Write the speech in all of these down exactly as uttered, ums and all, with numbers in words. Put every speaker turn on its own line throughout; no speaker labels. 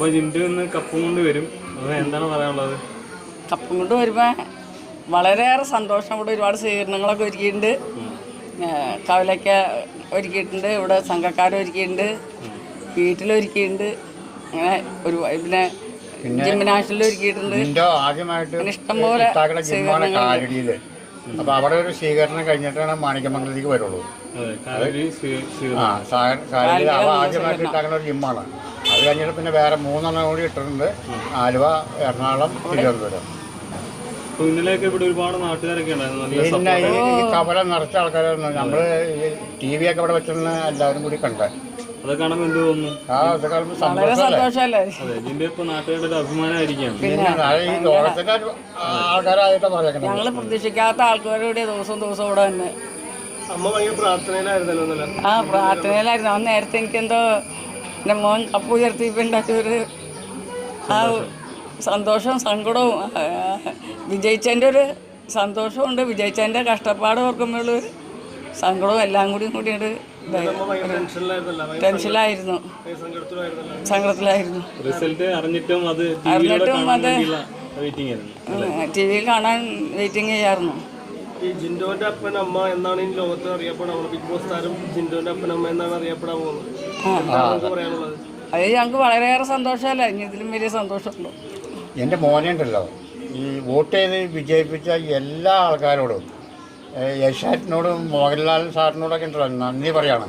ജിൻഡു ഇന്ന് കപ്പും കൊണ്ട് വരും. അത് എന്താണ് പറയാനുള്ളത്?
കപ്പും കൊണ്ട് വരുമ്പോൾ വളരെയേറെ സന്തോഷം. ഇവിടെ ഒരുപാട് സ്വീകരണങ്ങളൊക്കെ ഒരുക്കിയിട്ടുണ്ട്. കവലയ്ക്ക ഒരുക്കിയിട്ടുണ്ട്, ഇവിടെ സംഘക്കാർ ഒരുക്കിയിട്ടുണ്ട്, വീട്ടിലൊരുക്കിയിട്ടുണ്ട്. അങ്ങനെ ഒരു പിന്നെ ജിംനാഷിൽ ഒരുക്കിയിട്ടുണ്ട്. ഇഷ്ടംപോലെ സ്വീകരണങ്ങൾ.
അപ്പൊ അവിടെ ഒരു സ്വീകരണം കഴിഞ്ഞിട്ടാണ് മാണിക്യമംഗലത്തേക്ക് വരുള്ളൂ. ആദ്യമായിട്ട് ഇട്ടാക്കുന്ന ഒരു ജിമ്മാണ്. അത് കഴിഞ്ഞിട്ട് പിന്നെ വേറെ മൂന്നെണ്ണം കൂടി ഇട്ടിട്ടുണ്ട്. ആലുവ, എറണാകുളം, തിരുവനന്തപുരം.
ഇന്നലെയൊക്കെ ഇവിടെ ഒരുപാട് നാട്ടുകാരൊക്കെ ഉണ്ടായിരുന്നു.
പിന്നെ ഈ കവല നിറച്ച ആൾക്കാരായിരുന്നു. നമ്മള് ടി വി ഒക്കെ ഇവിടെ വെച്ചിരുന്ന എല്ലാവരും കൂടി കണ്ടേ.
അത് കാണുമ്പോൾ എന്ത് തോന്നുന്നു?
ആ അത് കാണുമ്പോൾ സന്തോഷമല്ലേ.
ഇതിന്റെ ഇപ്പൊ നാട്ടുകാരുടെ ഒരു അഭിമാനമായിരിക്കും.
ഈ ലോകത്തിന്റെ ആൾക്കാരായിട്ടാ പറയുന്നത്.
ഞങ്ങള് പ്രതീക്ഷിക്കാത്ത ആൾക്കാരുടെ ദിവസവും ദിവസവും ഇവിടെ തന്നെ.
അമ്മ ഭയങ്കര പ്രാർത്ഥനയിലായിരുന്നല്ലോ.
ആ പ്രാർത്ഥനയിലായിരുന്നു. അന്ന് നേരത്തെ എനിക്കെന്തോ എൻ്റെ മോൻ കപ്പ് ഉയർത്തിയിട്ടുണ്ടാക്കിയൊരു ആ സന്തോഷവും സങ്കടവും, വിജയിച്ചതിൻ്റെ ഒരു സന്തോഷമുണ്ട്, വിജയിച്ചതിൻ്റെ കഷ്ടപ്പാട് ഓർക്കുമ്പോഴുള്ള സങ്കടവും എല്ലാം കൂടി കൂടിയിട്ട് ടെൻഷനിലായിരുന്നു, സങ്കടത്തിലായിരുന്നു.
അറിഞ്ഞിട്ടും അത്
ടി വിയിൽ കാണാൻ വെയിറ്റിംഗ് ചെയ്യാറുന്നു.
ഈ ജിൻഡോന്റെ അപ്പൻ അമ്മ എന്നാണ് ഈ ലോകത്ത് അറിയപ്പെടാൻ പോകുന്നത്. ബിഗ് ബോസ് താരം ജിൻഡോന്റെ അപ്പൻ അമ്മ എന്നാണ് അറിയപ്പെടാൻ പോകുന്നത്. എന്താണ് പറയാനുള്ളത്?
അത് ഞങ്ങൾക്ക് വളരെയേറെ സന്തോഷമല്ല, ഇനി ഇതിലും വലിയ സന്തോഷമുള്ളൂ.
എൻ്റെ മോനുണ്ടല്ലോ, ഈ വോട്ട് ചെയ്ത് വിജയിപ്പിച്ച എല്ലാ ആൾക്കാരോടും, യശാറ്റിനോടും മോഹൻലാൽ സാറിനോടൊക്കെ ഉണ്ടല്ലോ നന്ദി പറയാണ്.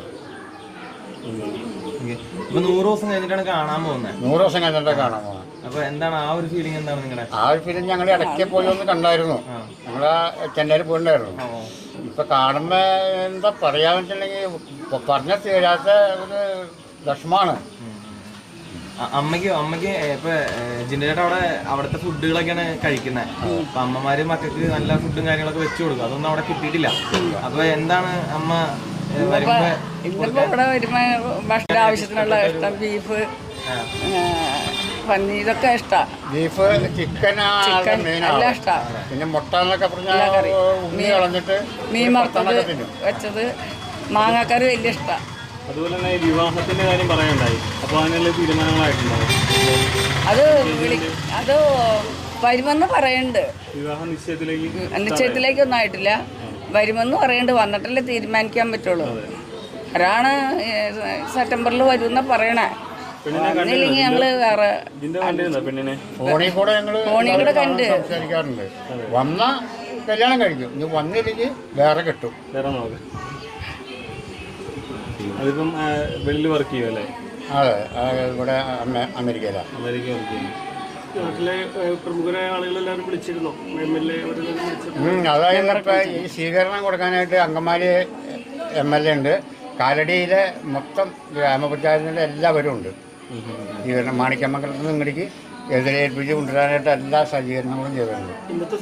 നൂറ് ദിവസം കഴിഞ്ഞിട്ടാണ് കാണാൻ പോകുന്നത്.
നൂറ് ദിവസം കഴിഞ്ഞിട്ടാണ് കാണാൻ പോകുന്നത്.
അപ്പൊ എന്താണ് ആ ഒരു ഫീലിംഗ്? എന്താണ് നിങ്ങളുടെ
ആ ഒരു ഫീലിംഗ്? ഞങ്ങൾ ഇടയ്ക്ക് പോയി ഒന്ന് കണ്ടായിരുന്നു. ഞങ്ങൾ ചെന്നൈയിൽ പോയിട്ടുണ്ടായിരുന്നു. ഇപ്പൊ കാണുമ്പോ എന്താ പറയാന്ന് വെച്ചിട്ടുണ്ടെങ്കിൽ പറഞ്ഞ തീരാത്ത ഒരു വിഷമാണ്.
അമ്മയ്ക്ക് അമ്മയ്ക്ക് ഇപ്പൊ ജിൻഡോയുടെ അവിടെ അവിടുത്തെ ഫുഡുകളൊക്കെയാണ് കഴിക്കുന്നത്. അപ്പൊ അമ്മമാര് മക്കൾക്ക് നല്ല ഫുഡും കാര്യങ്ങളൊക്കെ വെച്ചു കൊടുക്കും. അതൊന്നും അവിടെ കിട്ടിയിട്ടില്ല. അപ്പൊ എന്താണ് അമ്മ
ഇന്നിപ്പോ ഇവിടെ വരുമ്പോ ഭക്ഷണ ആവശ്യത്തിനുള്ള ഇഷ്ടം ബീഫ്, പന്നി, ഇതൊക്കെ ഇഷ്ടമാണ്.
ബീഫ്, ചിക്കൻ
എല്ലാം ഇഷ്ടമാണ്.
പിന്നെ മുട്ട എന്നൊക്കെ പറഞ്ഞാൽ കളഞ്ഞിട്ട്
മീൻ വറുത്തത് വെച്ചത്, മാങ്ങാക്കറി വലിയ ഇഷ്ടമാണ്.
അതുപോലെ തന്നെ വിവാഹത്തിന്റെ കാര്യം പറയാനുണ്ടായി. അപ്പോൾ അതിനുള്ള തീരുമാനങ്ങളായിട്ടുണ്ടാവും.
അത് അത് വരുമെന്ന് പറയുന്നുണ്ട്.
വിവാഹ നിശ്ചയത്തിലേക്ക്
നിശ്ചയത്തിലേക്കൊന്നും ആയിട്ടില്ല. വരുമെന്ന് പറയുന്നുണ്ട്. വന്നിട്ടല്ലേ തീരുമാനിക്കാൻ പറ്റുള്ളൂ. ഒരാണ് സെപ്റ്റംബറിൽ വരുമെന്ന പറയണേ. വന്നില്ലെങ്കിൽ ഞങ്ങള് വേറെ
ഫോണിൽ കൂടെ ഞങ്ങൾ
ഫോണിൽ കൂടെ കണ്ട്
സംസാരിക്കാറുണ്ട്. വന്ന കല്യാണം കഴിക്കും, ഇനി വന്നില്ലെങ്കിൽ വേറെ കിട്ടും.
വേറെ നോക്കാം. അതിപ്പം വെളിയിൽ വർക്ക് ചെയ്യുമല്ലേ?
അതെ, ഇവിടെ അമേരിക്കയിലാണ്.
അമേരിക്ക വർക്ക് ചെയ്യും.
നാട്ടിലെ പ്രമുഖരായ ആളുകളെല്ലാവരും വിളിച്ചിരുന്നോ? എം എൽ എ
അതായത് ഇപ്പം ഈ സ്വീകരണം കൊടുക്കാനായിട്ട് അങ്കമാലി എം എൽ എ ഉണ്ട്. കാലടിയിലെ മൊത്തം ഗ്രാമപഞ്ചായത്തിൻ്റെ എല്ലാവരും ഉണ്ട്. സ്വീകരണം മാണിക്യമംഗലത്ത് നിന്ന് ഇങ്ങോട്ടേക്ക് എതിരേൽപ്പിച്ച് കൊണ്ടുവരാനായിട്ട് എല്ലാ സജ്ജീകരണങ്ങളും ചെയ്തിട്ടുണ്ട്.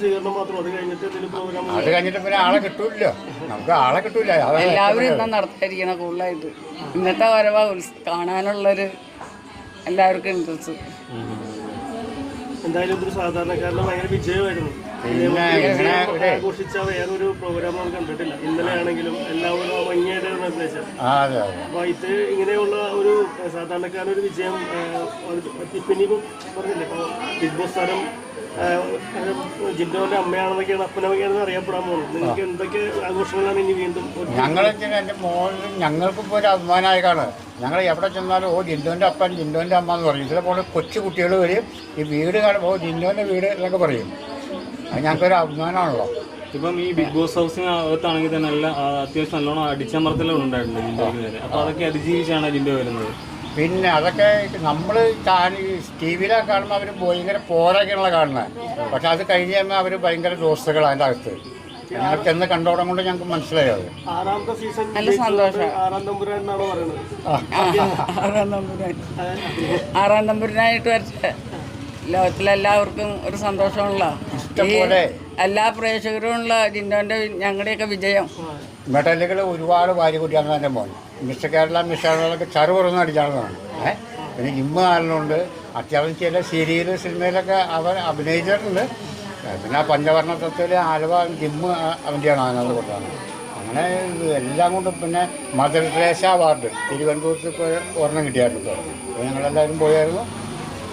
അത് കഴിഞ്ഞിട്ട് പിന്നെ ആളെ കിട്ടൂല്ലോ, നമുക്ക് ആളെ കിട്ടൂല.
എല്ലാവരും ഇന്ന് നടത്താതിരിക്കണം കൂടുതലായിട്ട്. ഇന്നത്തെ വരവാ കാണാനുള്ളൊരു എല്ലാവർക്കും ഇൻട്രസ്റ്റ്.
എന്തായാലും ഇതൊരു സാധാരണക്കാരന് ഭയങ്കര വിജയമായിരുന്നു. ആഘോഷിച്ച വേറൊരു പ്രോഗ്രാം നമുക്ക് കണ്ടിട്ടില്ല. ഇന്നലെ ആണെങ്കിലും എല്ലാവരും ഭംഗിയായിട്ടാണ് നിർദ്ദേശം. അപ്പൊ ഇത് ഇങ്ങനെയുള്ള ഒരു സാധാരണക്കാരനൊരു വിജയം ഇപ്പിനിപ്പം പറഞ്ഞില്ലേ, ഇപ്പൊ ബിഗ് ബോസ് താരം ജിൻഡോന്റെ അമ്മയാണെന്നൊക്കെയാണ് അപ്പനമ്മയാണെന്ന് അറിയപ്പെടാൻ പോകുന്നത്. നിങ്ങൾക്ക് എന്തൊക്കെ ആഘോഷങ്ങളാണ് ഇനി വീണ്ടും?
ഞങ്ങൾ എൻ്റെ മോനും ഞങ്ങൾക്കിപ്പോൾ ഒരു അഭിമാനമായിക്കാണ്. ഞങ്ങൾ എവിടെ ചെന്നാലും ഓ ജിൻഡോൻ്റെ അപ്പൻ, ജിൻഡോൻ്റെ അമ്മ എന്ന് പറയും. ഇതേപോലെ കൊച്ചു കുട്ടികൾ വരും, ഈ വീട് കാണുമ്പോൾ ഓ ജിൻഡോൻ്റെ വീട് എന്നൊക്കെ പറയും. അത് ഞങ്ങൾക്കൊരു അഭിമാനമാണല്ലോ.
ഇപ്പം ഈ ബിഗ് ബോസ് ഹൗസിന് അകത്താണെങ്കിൽ തന്നെ നല്ല അത്യാവശ്യം നല്ലോണം അടിച്ചമർത്തലും ഉണ്ടായിട്ടുണ്ട് ജിൻഡോയ്ക്ക് നേരെ. അപ്പോൾ അതൊക്കെ അതിജീവിച്ചാണ് ജിൻഡോ വരുന്നത്.
പിന്നെ അതൊക്കെ നമ്മൾ ടി വിയിലൊക്കെ കാണുമ്പോൾ അവർ ഭയങ്കര പോരൊക്കെയുള്ള കാണുന്നത്. പക്ഷെ അത് കഴിഞ്ഞ് കഴിയുമ്പോൾ അവർ ഭയങ്കര ദോസ്തുകൾ അതിൻ്റെ അകത്ത്. ഞങ്ങൾക്ക് എന്ന് കണ്ടോടം കൊണ്ട് ഞങ്ങൾക്ക് മനസ്സിലായി. അത്
ആറാമത്തെ സീസൺ
നല്ല സന്തോഷം.
ആറാം തമ്പുരാൻ എന്നാണ് പറയുന്നത്.
ആറാം തമ്പുരാൻ ആറാം തമ്പുരാനായിട്ട് വരട്ടെ. ലോകത്തിലെല്ലാവർക്കും ഒരു സന്തോഷമുള്ള എല്ലാ പ്രേക്ഷകരുമുള്ള ജിൻഡോൻ്റെ ഞങ്ങളുടെയൊക്കെ വിജയം.
മെഡലുകൾ ഒരുപാട് വാരി കൂട്ടിയാണ് എൻ്റെ മോൻ. മിസ്റ്റർ കേരള മിസ്റ്റർ കേരളൊക്കെ ചറുപുറന്ന് അടിച്ചാണെന്നാണ്. ഏഹ് പിന്നെ ജിമ്മ് കാരണമുണ്ട്. അത്യാവശ്യം ചില സീരിയൽ സിനിമയിലൊക്കെ അവൻ അഭിനയിച്ചിട്ടുണ്ട്. പിന്നെ ആ പഞ്ചവർണ്ണ തത്വത്തിൽ ആലുവ ജിമ്മ് അവൻ്റെയാണ് അതിനകത്ത് കൊടുത്താണ്. അങ്ങനെ എല്ലാം കൊണ്ടും പിന്നെ മദർ തെരേസ അവാർഡ് തിരുവനന്തപുരത്ത് ഇപ്പോൾ ഒരെണ്ണം കിട്ടിയായിരുന്നു. അപ്പോൾ ഞങ്ങളെല്ലാവരും പോയായിരുന്നു.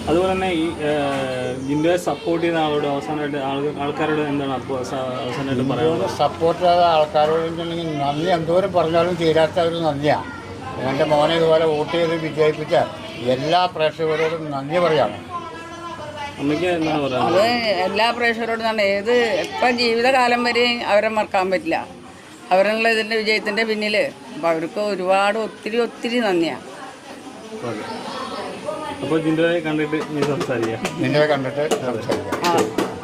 അതുപോലെ തന്നെ ഈ ജിൻഡോയെ സപ്പോർട്ട് ചെയ്യുന്ന ആളോട് അവസാനമായിട്ട് ആളുകൾ ആൾക്കാരോട് എന്താണ് അപ്പോൾ അവസാനമായിട്ട് പറയുന്നത്?
സപ്പോർട്ട് ചെയ്ത ആൾക്കാരോട് വെച്ചിട്ടുണ്ടെങ്കിൽ നന്ദി എന്തോരം പറഞ്ഞാലും തീരാത്ത ഒരു നന്ദിയാണ്. എൻ്റെ മോനെ ഇതുപോലെ വോട്ട് ചെയ്ത് വിജയിപ്പിച്ച എല്ലാ പ്രേക്ഷകരോടും നന്ദി പറയാണ്.
അമ്മയ്ക്ക് എന്താണ് പറയുന്നത്?
അത് എല്ലാ പ്രേക്ഷകരോടും തന്നെ ഏത് ഇപ്പം ജീവിതകാലം വരെയും അവരെ മറക്കാൻ പറ്റില്ല. അവരുള്ള ഇതിൻ്റെ വിജയത്തിൻ്റെ പിന്നിൽ അപ്പോൾ അവർക്ക് ഒരുപാട് ഒത്തിരി ഒത്തിരി നന്ദിയാണ്.
ഓക്കെ, അപ്പോൾ ജിൻഡോയെ കണ്ടിട്ട് നീ സംസാരിക്കാം.
നിന്നെ കണ്ടിട്ട് സംസാരിക്കാം.
ആ